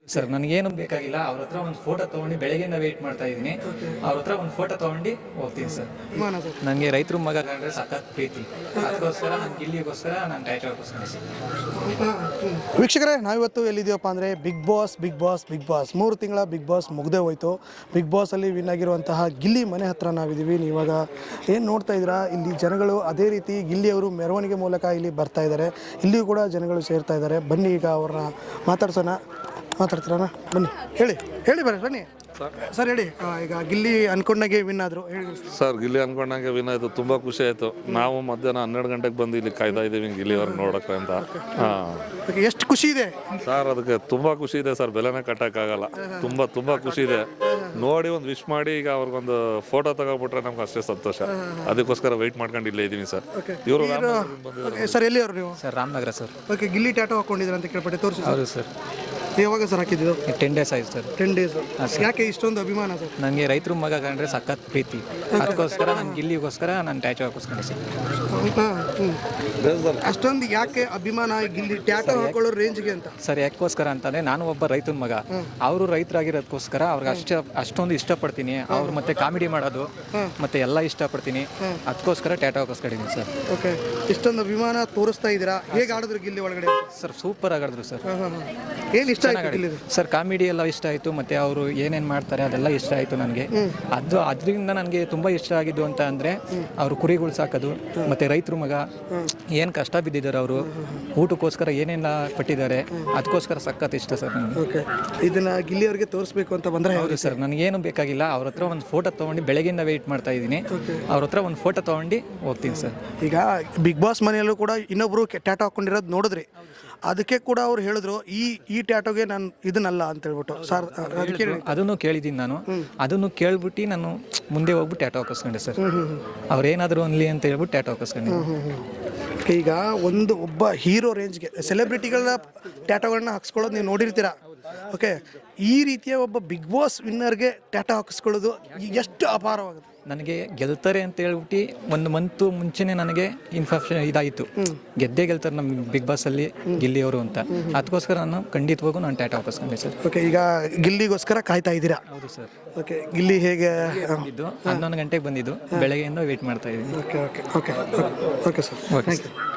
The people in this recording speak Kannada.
ಸರ್ ನನಗೇನು ಬೇಕಾಗಿಲ್ಲ, ಅವ್ರ ಹತ್ರ ಒಂದು ಫೋಟೋ ತೊಗೊಂಡು ಬೆಳಗ್ಗೆಯಿಂದ ವೆಯ್ಟ್ ಮಾಡ್ತಾ ಇದ್ದೀನಿ. ಅವ್ರ ಹತ್ರ ಒಂದು ಫೋಟೋ ತೊಗೊಂಡು ಹೋಗ್ತೀನಿ ಸರ್. ನನಗೆ ರೈತರ ಮಗ ಕಂಡ್ರೆ ಸಖತ್ ಪ್ರೀತಿ, ಅದಕ್ಕೋಸ್ಕರ ನಾನು ಗಿಲ್ಲಿಗೋಸ್ಕರ ನಾನು ಟೈಟಲ್ಗೋಸ್ಕರ. ವೀಕ್ಷಕರೇ, ನಾವಿವತ್ತು ಎಲ್ಲಿದ್ದೀವಪ್ಪ ಅಂದರೆ ಬಿಗ್ ಬಾಸ್ 3 ತಿಂಗಳ ಬಿಗ್ ಬಾಸ್ ಮುಗ್ದೇ ಹೋಯಿತು. ಬಿಗ್ ಬಾಸಲ್ಲಿ ವಿನ್ ಆಗಿರುವಂತಹ ಗಿಲ್ಲಿ ಮನೆ ಹತ್ರ ನಾವಿದ್ದೀವಿ. ನೀವಾಗ ಏನು ನೋಡ್ತಾ ಇದ್ದೀರಾ, ಇಲ್ಲಿ ಜನಗಳು ಅದೇ ರೀತಿ ಗಿಲ್ಲಿಯವರು ಮೆರವಣಿಗೆ ಮೂಲಕ ಇಲ್ಲಿ ಬರ್ತಾ ಇದ್ದಾರೆ. ಇಲ್ಲಿಯೂ ಕೂಡ ಜನಗಳು ಸೇರ್ತಾ ಇದ್ದಾರೆ. ಬನ್ನಿ ಈಗ ಅವ್ರನ್ನ ಮಾತಾಡ್ತೀರಣ್ಣ, ಬನ್ನಿ ಹೇಳಿ ಬರ್ರಿ ಬನ್ನಿ ಸರ್. ಹೇಳಿ, ಈಗ ಗಿಲ್ಲಿ ಅನ್ಕೊಂಡಾಗೆ ವಿನ್ ಆದರು ಹೇಳಿ ಸರ್. ಗಿಲ್ಲಿ ಅನ್ಕೊಂಡಂಗೆ ವಿನ್ ಆಯಿತು, ತುಂಬ ಖುಷಿ ಆಯಿತು. ನಾವು ಮಧ್ಯಾಹ್ನ 12 ಗಂಟೆಗೆ ಬಂದು ಇಲ್ಲಿ ಕಾಯ್ತಾ ಇದ್ದೀವಿ ಗಿಲ್ಲಿ ಅವ್ರಿಗೆ ನೋಡೋಕ್ಕೆ ಅಂತ. ಹಾಂ, ಎಷ್ಟು ಖುಷಿ ಇದೆ ಸರ್, ಅದಕ್ಕೆ ತುಂಬ ಖುಷಿ ಇದೆ ಸರ್, ಬೆಲೆನೇ ಕಟ್ಟೋಕ್ಕಾಗಲ್ಲ. ತುಂಬ ಖುಷಿ ಇದೆ. ನೋಡಿ ಒಂದು ವಿಶ್ ಮಾಡಿ ಈಗ ಅವ್ರಿಗೊಂದು ಫೋಟೋ ತಗೋಬಿಟ್ರೆ ನಮ್ಗೆ ಅಷ್ಟೇ ಸಂತೋಷ. ಅದಕ್ಕೋಸ್ಕರ ವೆಯ್ಟ್ ಮಾಡ್ಕೊಂಡು ಇಲ್ಲೇ ಇದ್ದೀವಿ ಸರ್. ಇವರು ಸರ್ ಎಲ್ಲಿ ಅವರು ನೀವು? Sir Ramanagara sir. Okay, Gilli tattoo ಹಾಕೊಂಡಿದ್ರು ಅಂತ ಕೇಳ್ಪಟ್ಟೆ, ತೋರಿಸಿ. ಹೌದು ಸರ್. ಯಾವಾಗ ಸರ್ ಹಾಕಿದ್ದು? 10 days ಆಯ್ತು ಸರ್. 10 days. ಯಾಕೆ ಇಷ್ಟೊಂದು ಅಭಿಮಾನ ಸರ್? ನನಗೆ ರೈತರ ಮಗ ಕಂಡ್ರೆ ಸಖತ್ ಪ್ರೀತಿ, ಅದಕ್ಕೋಸ್ಕರ ನಾನು ಗಿಲ್ಲಿಗೋಸ್ಕರ ನಾನು ಟ್ಯಾಟೋ ಹಾಕಿಸ್ಕೊಂಡೆ ಸರ್. ಅಷ್ಟೊಂದು ಯಾಕೆ ಅಭಿಮಾನ ಗಿಲ್ಲಿ ಟ್ಯಾಟೋ ಹಾಕೊಳ್ಳೋ ರೇಂಜ್ಗೆ ಅಂತ? ಸರ್ ಯಾಕೋಸ್ಕರ ಅಂತಂದರೆ ನಾನು ಒಬ್ಬ ರೈತನ ಮಗ, ಅವರು ರೈತರಾಗಿರೋದಕ್ಕೋಸ್ಕರ ಅವ್ರಿಗೆ ಅಷ್ಟೊಂದು ಇಷ್ಟಪಡ್ತೀನಿ. ಅವ್ರು ಮತ್ತೆ ಕಾಮಿಡಿ ಮಾಡೋದು ಮತ್ತೆ ಎಲ್ಲ ಇಷ್ಟಪಡ್ತೀನಿ, ಅದಕ್ಕೋಸ್ಕರ ಟ್ಯಾಟೋ ಹಾಕಿಸ್ಕೊಂಡಿದ್ದೀನಿ ಸರ್. ಓಕೆ, ಇಷ್ಟೊಂದು ಅಭಿಮಾನ ತೋರಿಸ್ತಾ ಇದ್ದೀರಾ. ಹೇಗೆ ಆಡಿದ್ರು ಗಿಲ್ಲಿ ಒಳಗಡೆ? ಸರ್ ಸೂಪರ್ ಆಗಾಡಿದ್ರು ಸರ್. ಏನು ಇಷ್ಟ ಆಯ್ತು ಸರ್? ಕಾಮಿಡಿ ಎಲ್ಲ ಇಷ್ಟ ಆಯಿತು, ಮತ್ತು ಅವರು ಏನೇನು ಮಾಡ್ತಾರೆ ಅದೆಲ್ಲ ಇಷ್ಟ ಆಯಿತು ನನಗೆ. ಅದರಿಂದ ನನಗೆ ತುಂಬ ಇಷ್ಟ ಆಗಿದ್ದು ಅಂತ ಅಂದರೆ ಅವರು ಕುರಿಗಳು ಸಾಕೋದು, ಮತ್ತು ರೈತರ ಮಗ ಏನು ಕಷ್ಟ ಬಿದ್ದಿದ್ದಾರೆ, ಅವರು ಊಟಕ್ಕೋಸ್ಕರ ಏನೇನು ಪಟ್ಟಿದ್ದಾರೆ, ಅದಕ್ಕೋಸ್ಕರ ಸಖತ್ ಇಷ್ಟ ಸರ್ ನನಗೆ. ಓಕೆ, ಇದನ್ನು ಗಿಲ್ಲಿ ಅವ್ರಿಗೆ ತೋರಿಸ್ಬೇಕು ಅಂತ ಬಂದರೆ? ಹೌದು ಸರ್, ನನಗೇನು ಬೇಕಾಗಿಲ್ಲ, ಅವ್ರ ಹತ್ರ ಒಂದು ಫೋಟೋ ತೊಗೊಂಡು ಬೆಳಗ್ಗೆಯಿಂದ ವೆಯ್ಟ್ ಮಾಡ್ತಾ ಇದ್ದೀನಿ. ಅವ್ರ ಹತ್ರ ಒಂದು ಫೋಟೋ ತೊಗೊಂಡು ಹೋಗ್ತೀನಿ ಸರ್. ಈಗ ಬಿಗ್ ಬಾಸ್ ಮನೆಯಲ್ಲೂ ಕೂಡ ಇನ್ನೊಬ್ರು ಟ್ಯಾಟೋ ಹಾಕೊಂಡಿರೋದು ನೋಡಿದ್ರಿ, ಅದಕ್ಕೆ ಕೂಡ ಅವ್ರು ಹೇಳಿದ್ರು ಈ ಟ್ಯಾಟೋಗೆ ನಾನು ಇದನ್ನಲ್ಲ ಅಂತ ಹೇಳ್ಬಿಟ್ಟು ಸರ್. ಅದನ್ನು ಕೇಳಿದ್ದೀನಿ ನಾನು, ಅದನ್ನು ಕೇಳ್ಬಿಟ್ಟು ನಾನು ಮುಂದೆ ಹೋಗ್ಬಿಟ್ಟು ಟ್ಯಾಟೋ ಹಾಕಿಸ್ಕೊಂಡೆ ಸರ್. ಅವ್ರೇನಾದರೂ ಅನ್ಲಿ ಅಂತ ಹೇಳ್ಬಿಟ್ಟು ಟ್ಯಾಟೋ ಹಾಕಿಸ್ಕೊಂಡೆ. ಈಗ ಒಬ್ಬ ಹೀರೋ ರೇಂಜ್ಗೆ ಸೆಲೆಬ್ರಿಟಿಗಳ ಟ್ಯಾಟೋಗಳನ್ನ ಹಾಕ್ಸ್ಕೊಳ್ಳೋದು ನೀವು ನೋಡಿರ್ತೀರಾ. ಓಕೆ, ಈ ರೀತಿಯ ಒಬ್ಬ ಬಿಗ್ ಬಾಸ್ ವಿನ್ನರ್ಗೆ ಟ್ಯಾಟೋ ಹಾಕಿಸ್ಕೊಳ್ಳೋದು ಎಷ್ಟು ಅಪಾರವಾಗುತ್ತೆ. ನನಗೆ ಗೆಲ್ತಾರೆ ಅಂತ ಹೇಳ್ಬಿಟ್ಟು 1 month ಮುಂಚೆನೇ ನನಗೆ ಇನ್ಫಾರ್ಮೇಷನ್ ಇದಾಯಿತು, ಗೆಲ್ತಾರೆ ನಮ್ಮ ಬಿಗ್ ಬಾಸಲ್ಲಿ ಗಿಲ್ಲಿಯವರು ಅಂತ. ಅದಕ್ಕೋಸ್ಕರ ನಾನು ಖಂಡಿತವಾಗೂ ನಾನು ಟ್ಯಾಟೋ ಹಾಕಿಸ್ಕೊಂಡೆ ಸರ್. ಓಕೆ, ಈಗ ಗಿಲ್ಲಿಗೋಸ್ಕರ ಕಾಯ್ತಾ ಇದ್ದೀರಾ? ಹೌದು ಸರ್. ಓಕೆ, ಗಿಲ್ಲಿ ಹೇಗೆ ಬಂದಿದ್ದು 11 ಗಂಟೆಗೆ ಬಂದಿದ್ದು, ಬೆಳಗ್ಗೆಯಿಂದ ವೆಯ್ಟ್ ಮಾಡ್ತಾ ಇದ್ದೀನಿ. Okay okay okay okay sir, thank you.